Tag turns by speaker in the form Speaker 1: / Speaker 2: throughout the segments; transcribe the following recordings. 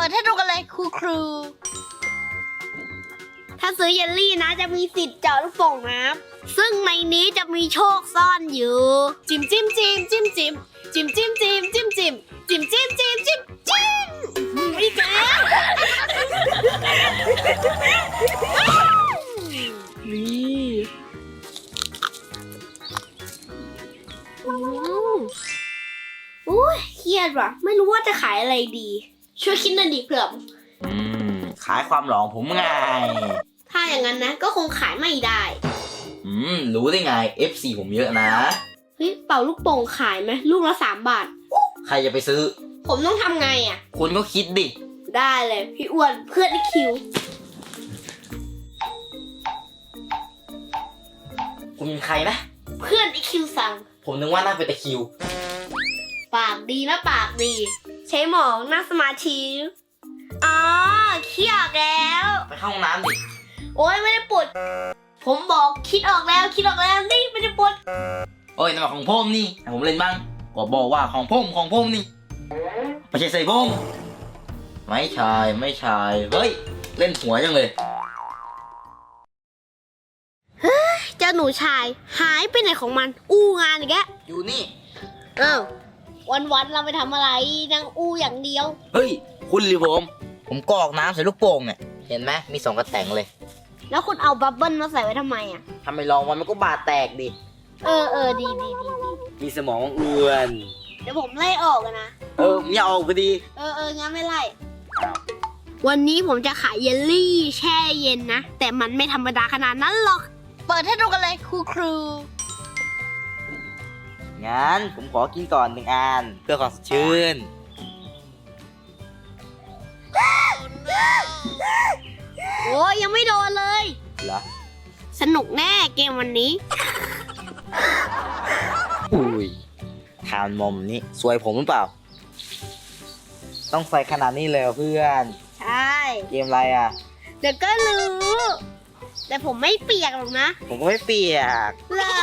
Speaker 1: ปิดให้ดูกันเลยครูถ้าซื้อเยลลี่นะจะมีสิทธิ์เจาะลูกโป่งน้ำซึ่งในนี้จะมีโชคซ่อนอยู่จิ้มจิ้มจิ้มจิ้มจิ้มจิ้มจิ้มจิ้มจิ้มจิ้มจิ้มจิ้มจิ้มจิ้มจิ้มอีกแล้วนี่อุ้ยเครียดว่ะไม่รู้ว่าจะขายอะไรดีช่วยคิดหน่อยดิเผื่อ
Speaker 2: ขายความหลองผมไง
Speaker 1: ถ้าอย่างนั้นนะก็คงขายไม่ได้
Speaker 2: รู้ได้ไง FC ผมเยอะนะ
Speaker 1: เฮ้ยเป่าลูกโป่งขายไหมลูกละ3 บาท
Speaker 2: ใครจะไปซื้อ
Speaker 1: ผมต้องทำไงอ่ะ
Speaker 2: คุณก็คิดดิ
Speaker 1: ได้เลยพี่อ้วนเพื่อนไอคิว
Speaker 2: คุณเป็นใครนะ
Speaker 1: เพื่อนไอคิวสั่ง
Speaker 2: ผมนึกว่าน่าเป็นตะคริว
Speaker 1: ปากดีนะปากดี ใช้หมองนั่งสมาธิอ๋อคิดออกแล้ว
Speaker 2: ไปเข้าห้องน้ำดิ
Speaker 1: โอ้ยไม่ได้ปวดผมบอกคิดออกแล้วนี่ไม่ได้ปวด
Speaker 2: โอ้ยนั่นมันของผมนี่ให้ผมเล่นบ้างก็บอกว่าของผมนี่ไม่ใช่ใส่ผมไม่ใช่เฮ้ยเล่นหัวจังเลย
Speaker 1: เจ้าหนูชายหายไปไหนของมันอู้งานอีกแล้ว
Speaker 2: อยู่นี่
Speaker 1: อ้าววันเราไปทำอะไรนั่งอู้อย่างเดียว
Speaker 2: เฮ้ยคุณหรือผมกรอกน้ำใส่ลูกโป่งเนี่ยเห็นไหมมี2 กระแตงเลย
Speaker 1: แล้วคุณเอาบับเบิ้ลมาใส่ไว้ทำไมอ่ะ
Speaker 2: ทำไมลองมันก็บาดแตกดิ
Speaker 1: ดี
Speaker 2: มีสมองอ้วน
Speaker 1: เดี๋ยวผมไล่ออกกันนะ
Speaker 2: ผมอยากออกพอดี
Speaker 1: งั้นไม่ไล่ วันนี้ผมจะขายเยลลี่แช่เย็นนะ แต่มันไม่ธรรมดาขนาดนั้นหรอก เปิดให้ดูกันเลยครู
Speaker 2: งั้นผมขอกินก่อน1 อันเพื่อความสดชื่น
Speaker 1: โอ้ยยังไม่โดนเลย
Speaker 2: เหรอ
Speaker 1: สนุกแน่เกมวันนี้
Speaker 2: อุ้ยทานมอมนี่สวยผมหรือเปล่า ต้องใส่ขนาดนี้เลยเหรอเพื่อน
Speaker 1: ใช่
Speaker 2: เกมอะไรอ่ะ
Speaker 1: เดี๋ยวก็รู้ แต่ผมไม่เปียกหรอกนะ
Speaker 2: ผมก็ไม่เปียก
Speaker 1: เหรอ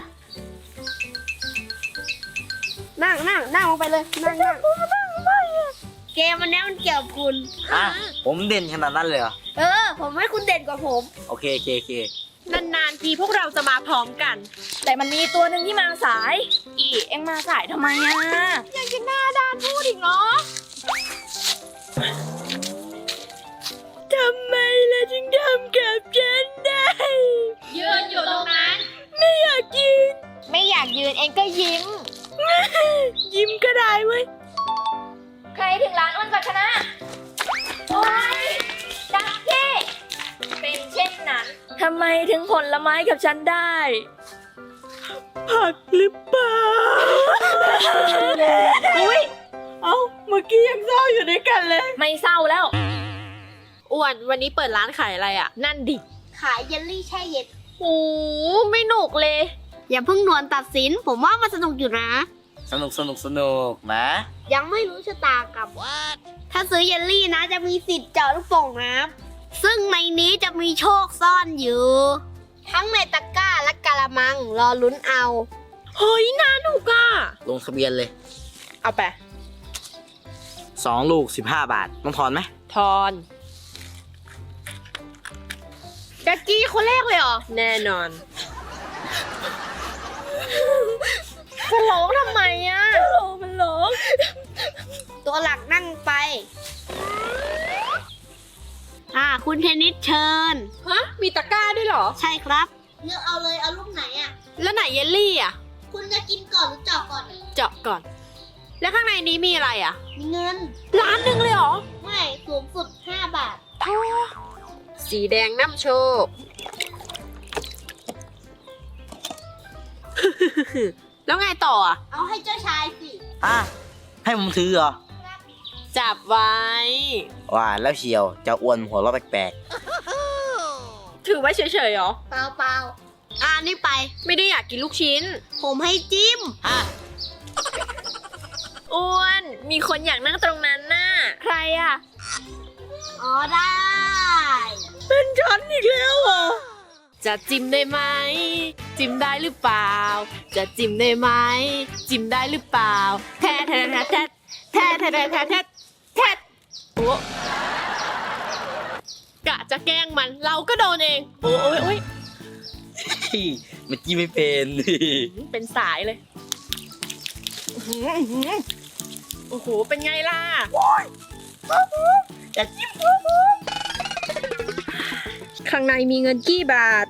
Speaker 1: นั่งลงไปเลยนั่งเกมวันนี้มันเกี่ยวกับคุณ
Speaker 2: ผมเด่นขนาดนั้นเลยเหรอ
Speaker 1: ผมให้คุณเด่นกว่าผม
Speaker 2: โอเค
Speaker 3: นานๆทีพวกเราจะมาพร้อมกัน แต่มันมีตัวหนึ่งที่มาสาย เอ็งมาสายทำไมอ่ะยังจะหน้าด้านพูดอีกเนาะทำไมล่ะจึงทำกับฉันได้ยืนอยู่ตรงนั้นไม่อยากยืนเองก็ยิ้ม ยิ้มก็ได้เว้ยใครถึงร้านอ้นก่อนชนะโอ๊ยดักที่เป็นเช่นนั้นทำไมถึงผลไม้กับฉันได้ผักหรือเปล่าอุ้ยเมื่อกี้ยังเศร้าอยู่ด้วยกันเลยไม่เศร้าแล้วอ้วนวันนี้เปิดร้านขายอะไรอ่ะนั่นดิ
Speaker 1: ขายเยลลี่แช่เย็น
Speaker 3: โอ้ไม่หนุกเลย
Speaker 1: อย่าเพิ่งนวนตัดสิน ผมว่ามันสนุกอยู่นะ
Speaker 2: สนุกนะ
Speaker 1: ยังไม่รู้ชะตากรรมถ้าซื้อเยลลี่นะจะมีสิทธิ์เจาะลูกโป่งน้ำซึ่งในนี้จะมีโชคซ่อนอยู่ ทั้งในตะกร้าและกะละมังรอลุ้นเอา
Speaker 3: เฮ้ยน่าหนุกอ่ะ
Speaker 2: ลงทะเบียนเลย
Speaker 3: เอาไป
Speaker 2: 2 ลูก15 บาทต้องทอนไหม
Speaker 3: ทอนแจ็คกี้คนแรกเลยเหรอ แน่นอนจะร้องทำไมอ่ะมันร้อง
Speaker 1: ตัวหลักนั่งไป คุณเทนนิสเชิญ
Speaker 3: ฮะ มีตะกร้าด้วยเหรอ
Speaker 1: ใช่ครับเลือกเอาเลยเอาลูกไหนอ่ะ
Speaker 3: แล้วไหนเยลลี่อ่ะ
Speaker 1: คุณจะกินก่อนหรือเจาะก่อน
Speaker 3: เจาะก่อน แล้วข้างในนี้มีอะไรอ่ะ
Speaker 1: มีเงิน
Speaker 3: ร้านหนึ่งเลยเหรอ
Speaker 1: ไม่สูงสุด5 บาท
Speaker 3: สีแดงน้ำโชค แล้วไงต่ออ่ะ
Speaker 1: เอาให้เจ้าชายสิ
Speaker 2: ให้ผมถือเหรอ
Speaker 3: จับไว้
Speaker 2: ว่าแล้วเชียวเจ้าอ้วนหัวเราะแปลก
Speaker 3: ถือไว้เฉยๆเหรอ
Speaker 1: เปล่านี่ไป
Speaker 3: ไม่ได้อยากกินลูกชิ้น
Speaker 1: ผมให้จิ้ม
Speaker 3: อ้วน มีคนอยากนั่งตรงนั้นน่ะ ใครอ่ะ
Speaker 1: อ๋อได้
Speaker 3: เป็นฉันอีกแล้วเหรอ จะจิ้มได้ไหม จิ้มได้หรือเปล่า จะจิ้มได้ไหม จิ้มได้หรือเปล่า แทะแทะแทะแทะแทะแทะแทะแทะอ้กะจะแกล้งมันเราก็โดนเองโอ้ย
Speaker 2: มันจี้ไม่เป็น
Speaker 3: เป็นสายเลยโอ้โหเป็นไงล่ะ
Speaker 2: จะจิ้ม
Speaker 3: ข้างในมีเงินกี่บาท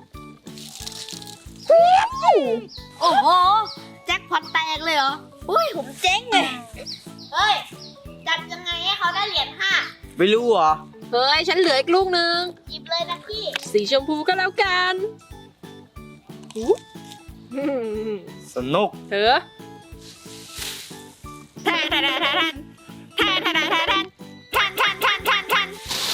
Speaker 1: โอ้โหแจ็คพอตแตกเลยเหรออุ้ยผมเจ๊งเลยเฮ้ยจัดยังไงให้เขาได้เหรียญ5
Speaker 2: ไม่รู้เหรอ
Speaker 3: เฮ้ยฉันเหลืออีกลูกนึง
Speaker 1: หยิบเลยนะพี่
Speaker 3: สีชมพูก็แล้วกัน
Speaker 2: สนุก
Speaker 3: เถอะแทนแทนแทนแทนแทนแทนแทนแทนแทน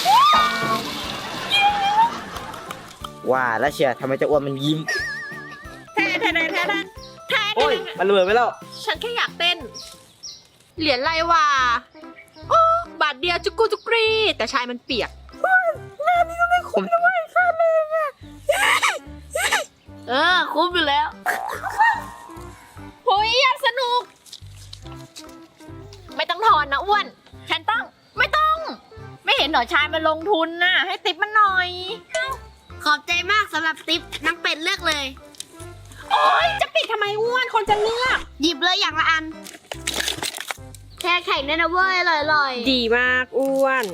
Speaker 2: ว่าแล้วเชียร์ทำไมเจะอ้วนมันยิ้ม
Speaker 3: แทนแทนแทนแทน
Speaker 2: โอ้ย มันระเบิดไปแล้ว
Speaker 3: ฉันแค่อยากเต้น เหรียญอะไรวะโอ้บาทเดียวจุกกุจุกรีแต่ชายมันเปียก
Speaker 1: คุ้มอยู่แล้ว
Speaker 3: โอ้ยอยากสนุก ไม่ต้องถอนนะอ้วน ฉันต้อง ไม่ต้อง ไม่เห็นหนอชายมาลงทุนน่ะ ให้ติปมันหน่อย
Speaker 1: ขอบใจมากสำหรับติ๊บนักเป็ดเลือกเลย
Speaker 3: โอ้ยจะปิดทำไมอ้วนคนจะเลือก
Speaker 1: หยิบเลยอย่างละอันแช่แข็งด้วยนะเว้ยอร่อยๆ
Speaker 3: ดีมากอ้วน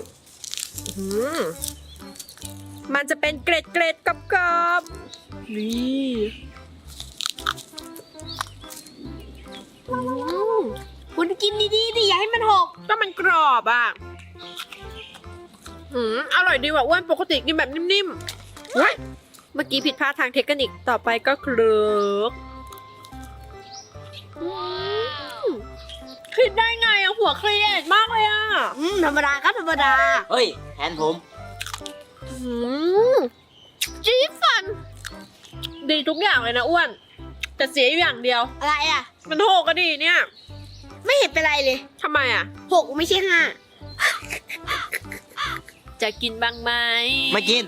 Speaker 3: มันจะเป็นเกล็ดเกล็ดกับกรอบนี่
Speaker 1: คุณกินดีๆดิอย่าให้มันหก
Speaker 3: ก็มันกรอบอ่ะอร่อยดีว่ะอ้วนปกติกินแบบนิ่มๆเฮ้ยเมื่อกี้ผิดพลาดทางเทคนิคต่อไปก็เคลือกคิดได้ไงอะหัวเครียดมากเลยอะ
Speaker 1: ธรรมดาครับธรรมดา
Speaker 2: เฮ้ยแทนผม
Speaker 3: จี๊ดฟัน ดีทุกอย่างเลยนะอ้วน แต่เสียอยู่อย่างเดียว
Speaker 1: อะไรอ่ะ
Speaker 3: มันโหกก็ดีเนี่ย
Speaker 1: ไม่เห็นเป็นไรเลย
Speaker 3: ทำไมอะ
Speaker 1: 6ไม่ใช่5
Speaker 3: จะกินบ้างไหม
Speaker 2: ไม่กิน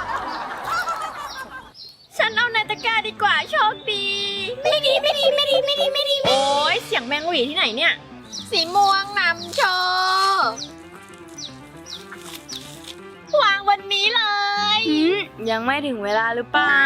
Speaker 3: ฉันเอาในตะกร้าดีกว่าโชคดี
Speaker 1: ไม่ดี
Speaker 3: โอ้ยเสียงแมงหวีที่ไหนเนี่ย สีม่วงนำโชว์วางวันนี้เลย
Speaker 4: ยังไม่ถึงเวลาหรือเปล่า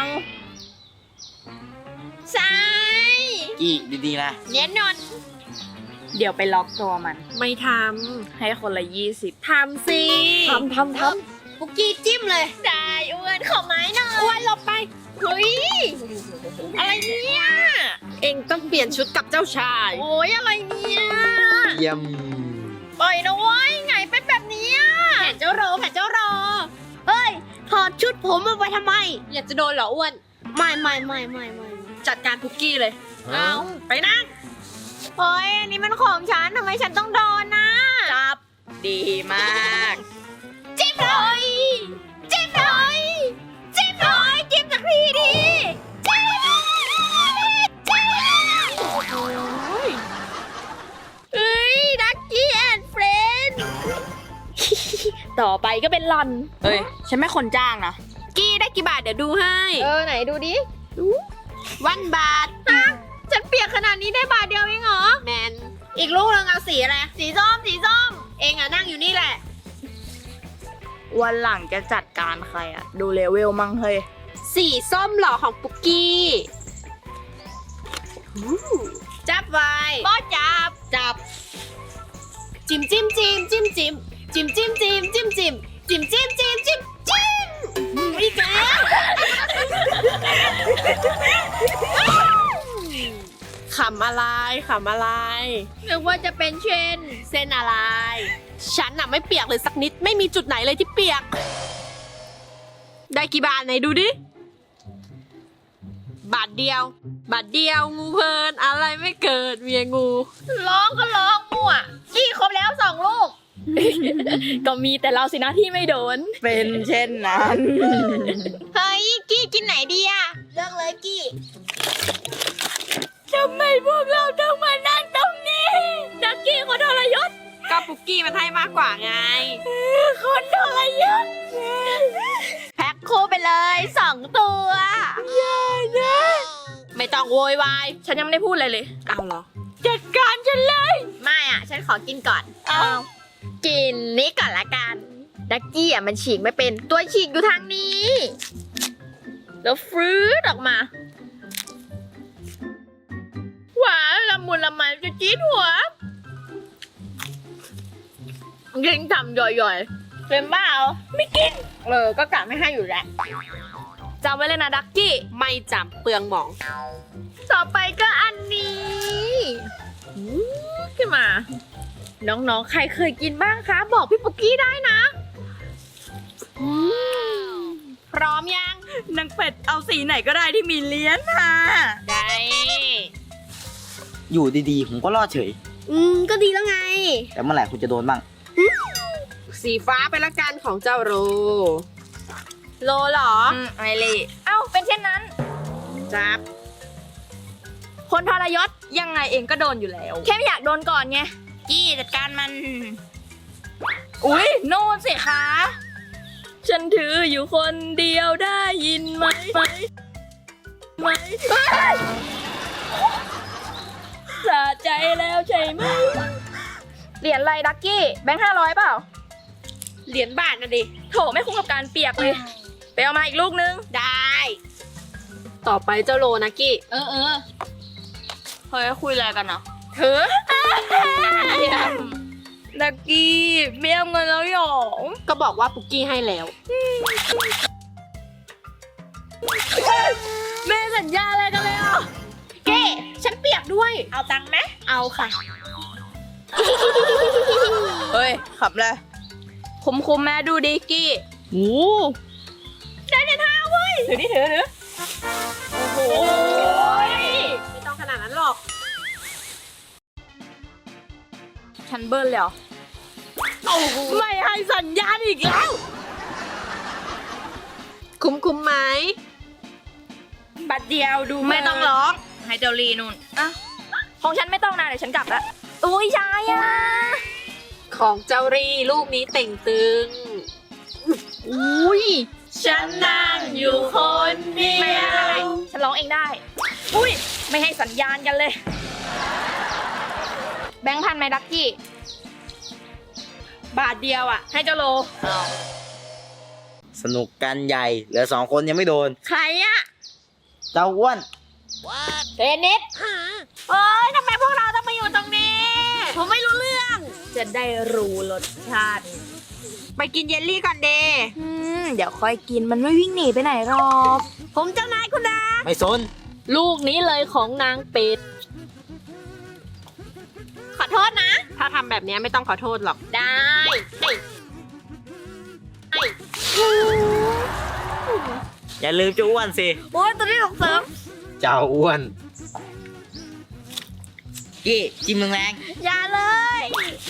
Speaker 3: ใช่
Speaker 2: กี่ดีๆนะ
Speaker 3: เน้นนอน
Speaker 4: เดี๋ยวไปล็อกตัวมัน
Speaker 3: ไม่ท
Speaker 4: ให้คนละ 20
Speaker 3: ำ ทำสิ
Speaker 4: ทำ
Speaker 1: ปุกกี้จิ้มเลย
Speaker 3: ได้อ้วนขอไม้หน่อยอ้วนหลบไป เฮ้ย อะไรเนี่ย เองต้องเปลี่ยนชุดกับเจ้าชาย โอ้ยอะไรเนี่ย
Speaker 2: เยี่ยม
Speaker 3: ปล่อยนะเว้ยไงเป็นแบบนี้แผนเจ้ารอแผนเจ้ารอ
Speaker 1: เฮ้ย ถอดชุดผมมาไปทำไม
Speaker 3: อยากจะโดนเหรออ้วน
Speaker 1: ไม่
Speaker 3: จัดการคุกกี้เลย เอาไปนั่งเฮ้ยอันนี้มันของฉันทำไมฉันต้องโดนนะ
Speaker 4: จับ ดีมาก
Speaker 3: จิ้มเลยจิ้มเลยจิ้มเลยจิ้มสักทีดิจิ้มเฮ้ยดักกี้แอนด์เฟรนด์
Speaker 4: ต่อไปก็เป็นหลอน เอ้ย ฉันไม่คนจ้างนะ
Speaker 3: กี้ได้กี่บาทเดี๋ยวดูให้
Speaker 4: ไหนดูดิ
Speaker 1: 1 บาท
Speaker 3: ฉันเปียกขนาดนี้ได้บาทเดียวเองเหรอ
Speaker 1: แมน
Speaker 3: อีกลูกนึงเอาสีอะไร สีส้ม สีส้ม เองอะนั่งอยู่นี่แหละ
Speaker 4: วันหลังจะจัดการใครอะดูเลเวลมั่งเฮ้ย
Speaker 3: สีส้มหล่อของปุกกี้จับไว้บอจับ จิ้มอีกแล้วขำอะไรนึกว่าจะเป็นเส้นอะไร ฉันน่ะไม่เปียกเลยสักนิด ไม่มีจุดไหนเลยที่เปียก ได้กี่บาทไหนดูดิ บาทเดียวงูเพลินอะไรไม่เกิดเมียงู ร้องก็ร้องมั่วกี้ครบแล้ว2 ลูก
Speaker 4: ก็มีแต่เราสินะที่ไม่โดน
Speaker 2: เป็นเช่นนั้น
Speaker 3: เฮ้ยกี้กินไหนดีอะ
Speaker 1: เลือกเลยกี้
Speaker 3: ทำไมพวกเราต้องมานั่งตรงนี้ดักกี้คนทรยศก็ปุกกี้มันให้มากกว่าไงคนทรยศแพ็คคู่ไปเลย2 ตัวอย่านะไม่ต้องโวยวายฉันยังไม่ได้พูดอะไรเลยเอาเหรอจัดการฉันเลยไม่อ่ะฉันขอกินก่อน
Speaker 4: อ้าว
Speaker 3: กินนี้ก่อนละกัน ดักกี้อ่ะมันฉีกไม่เป็น ตัวฉีกอยู่ทางนี้ แล้วฟรื้ดออกมา หวานละมุนละไมจะจี๊ดหัวยิงทำย่อยๆเป็นบ้าเหรอไม่กิน ก็กะไม่ให้อยู่แล้วจำไว้เลยนะดักกี้
Speaker 1: ไม่จำเปลืองหมอง
Speaker 3: ต่อไปก็อันนี้ขึ้นมา น้องๆ ใครเคยกินบ้างคะ บอกพี่ปุกกี้ได้นะพร้อมยัง
Speaker 4: นางเป็ดเอาสีไหนก็ได้ที่มีเลี้ยนค่ะ
Speaker 3: ได้
Speaker 2: อยู่ดีๆ ผมก็รอดเฉย
Speaker 1: ก็ดีแล้วไง
Speaker 2: แต่เมื่อไหร่คุณจะโดนบ้าง
Speaker 1: สีฟ้าไปละกันของเจ้าโร
Speaker 3: โลเหรอ ไอเลยเอ้า เป็นเช่นนั้น
Speaker 1: จับ
Speaker 3: คนทรยศยังไงเองก็โดนอยู่แล้ว แค่ไม่อยากโดนก่อนไงกี้จัดการมัน อุ๊ย โน่นสิคะ
Speaker 4: ฉันถืออยู่คนเดียวได้ยินไหมสะใจแล้วใช่ไหม
Speaker 3: เหรียญอะไรดักกี้ แบงค์500เปล่า
Speaker 1: เหรียญบาทนะดิ
Speaker 3: โถไม่คุ้มกับการเปียกเลย ไปเอามาอีกลูกนึง
Speaker 1: ได้ ต่อไปเจ้าโรนะกี้
Speaker 3: เฮ้ยคุยอะไรกันเนาะเธอ
Speaker 4: ดักกี้เบี้ยเงินแล้วหรอ
Speaker 1: ก็บอกว่าปุกกี้ให้แล้ว
Speaker 3: แม่สัญญาอะไรกันเลยอ่ะเก้ฉันเปียกด้วย เอาตังค์ไหมเอาค่ะ
Speaker 4: เฮ้ยขับเลยคุ้มแม่ดูดิกี้
Speaker 3: โอ้ได้เงิน5เว้ยถือโอ้โห
Speaker 1: ไม่ต้องขนาดนั้นหรอก
Speaker 3: ฉันเบิ้ลเลยเหรอไม่ให้สัญญาณอีกแล้ว
Speaker 1: คุ้มไหม
Speaker 3: บัตรเดียวดูไม่ต้องร้อง ให้เจ้าลีนุ่นอ่ะของฉันไม่ต้องนะเดี๋ยวฉันกลับละอุ้ยชายอ่ะ
Speaker 1: ของเจ้ารีลูกนี้เต่งตึง
Speaker 3: อุ้ยฉันนั่งอยู่คนเดียวฉันร้องเองได้ อุ้ยไม่ให้สัญญาณกันเลย แบงค์พันไหมดักกี้
Speaker 1: บาทเดียวอ่ะ
Speaker 3: ให้เจ้าโล
Speaker 2: สนุกกันใหญ่ เหลือ2 คนยังไม่โดน
Speaker 3: ใครอะ
Speaker 2: เจ้าอ้วน
Speaker 3: เทนนิสเอ้ยทำไมพวกเราต้องมาอยู่ตรงนี้
Speaker 1: ผมไม่รู้เรื่อง
Speaker 3: จะได้รู้รสชาติ
Speaker 1: ไปกินเยลลี่ก่อนเด
Speaker 3: เดี๋ยวค่อยกินมันไม่วิ่งหนีไปไหนหรอก
Speaker 1: ผมเจ้านายคุณนะ
Speaker 2: ไม่สน
Speaker 3: ลูกนี้เลยของนางเป็ด ขอโทษนะ
Speaker 1: ถ้าทำแบบนี้ไม่ต้องขอโทษหรอก
Speaker 3: ได้เฮ้ย
Speaker 2: อย่าลืมเจ้าอ้วนสิ
Speaker 3: โอ้ยตัวนี้ส่งเสริม
Speaker 2: เจ้าอ้วนกี้จิ้มแรง
Speaker 3: อย่าเลย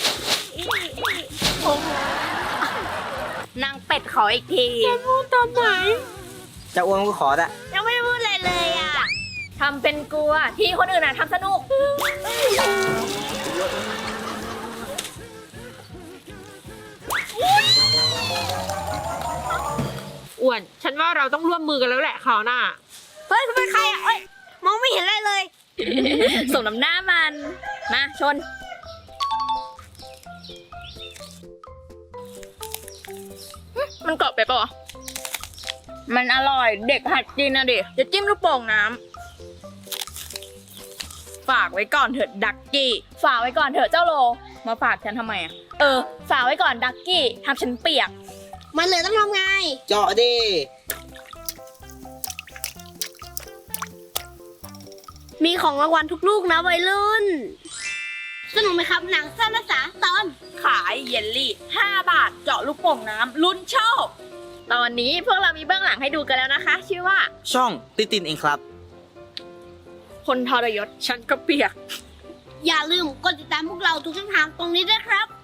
Speaker 3: นางเป็ดขออีกที
Speaker 1: พูดตอนไหน
Speaker 2: ๆเจ้าอ้วนก็ขอละ
Speaker 3: ยังไม่ได้พูดอะไรเลยอ่ะทำเป็นกลัวที่คนอื่นอ่ะทำสนุก
Speaker 1: อ้วน ฉันว่าเราต้องร่วมมือกันแล้วแหละคราวหน้า เฮ้ยคุณเป็นใครอ่ะเอ้ย มองไม่เห็นอะไรเลย
Speaker 3: ส่งน้ำหน้ามัน มาชน มันกรอบไปปะวะมันอร่อยเด็กหัดกินนะดิจะจิ้มลูกโป่งน้ำฝากไว้ก่อนเถอะดักกี้ ฝากไว้ก่อนเถอะเจ้าโล มาฝากฉันทำไมอ่ะ ฝากไว้ก่อนดักกี้ทำฉันเปียก
Speaker 1: มันเหลือต้องทำไง
Speaker 2: เจาะดิ
Speaker 1: มีของรางวัลทุกลูกนะวัยรุ่น สนุกไหมครับหนังสั้นภาษาตอน
Speaker 3: ขายเยลลี่ 5 บาท เจาะลูกโป่งน้ำลุ้นโชค ตอนนี้พวกเรามีเบื้องหลังให้ดูกันแล้วนะคะ ชื่อว่า
Speaker 2: ช่องตินเองครับ
Speaker 3: คนทรยศ
Speaker 1: ฉันก็เปียก อย่าลืมกดติดตามพวกเราทุกช่องทางตรงนี้ด้วยครับ